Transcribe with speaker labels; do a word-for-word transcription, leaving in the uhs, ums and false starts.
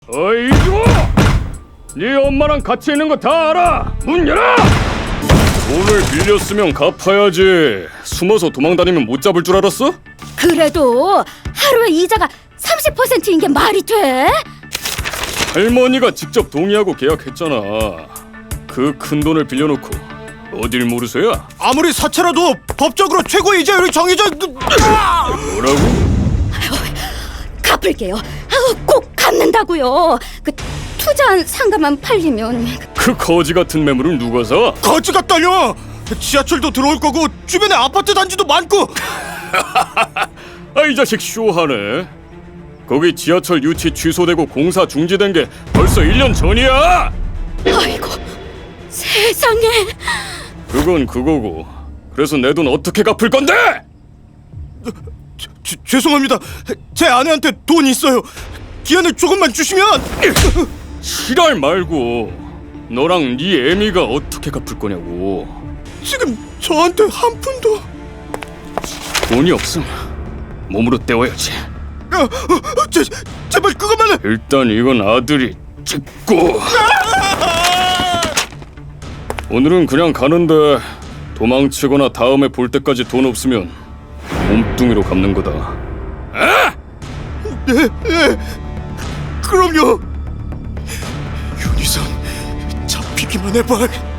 Speaker 1: 어이 줘! 네 엄마랑 같이 있는 거 다 알아! 문 열어! 돈을 빌렸으면 갚아야지. 숨어서 도망다니면 못 잡을 줄 알았어?
Speaker 2: 그래도 하루에 이자가 삼십 퍼센트인 게 말이 돼?
Speaker 1: 할머니가 직접 동의하고 계약했잖아. 그 큰 돈을 빌려놓고 어딜 모르세요?
Speaker 3: 아무리 사채라도 법적으로 최고 이자율이 정해져.
Speaker 1: 뭐라고?
Speaker 2: 갚을게요. 아우, 꼭 갚는다고요. 그 투자한 상가만 팔리면.
Speaker 1: 그 거지 같은 매물을 누가 사?
Speaker 3: 거지가 딸려. 지하철도 들어올 거고 주변에 아파트 단지도 많고.
Speaker 1: 아, 이 자식 쇼하네. 거기 지하철 유치 취소되고 공사 중지된 게 벌써 일 년 전이야.
Speaker 2: 아이고, 세상에.
Speaker 1: 그건 그거고. 그래서 내 돈 어떻게 갚을 건데?
Speaker 3: 지, 죄송합니다. 제 아내한테 돈 있어요. 기한을 조금만 주시면.
Speaker 1: 지랄 말고 너랑 네 애미가 어떻게 갚을 거냐고.
Speaker 3: 지금 저한테 한 푼도.
Speaker 1: 돈이 없음 몸으로 때워야지.
Speaker 3: 야, 어, 제, 제발 그것만은.
Speaker 1: 일단 이건 아들이 찍고. 오늘은 그냥 가는데 도망치거나 다음에 볼 때까지 돈 없으면 몸뚱이로 갚는 거다. 아!
Speaker 3: 네, 네. 그럼요. 윤희선 잡히기만 해봐.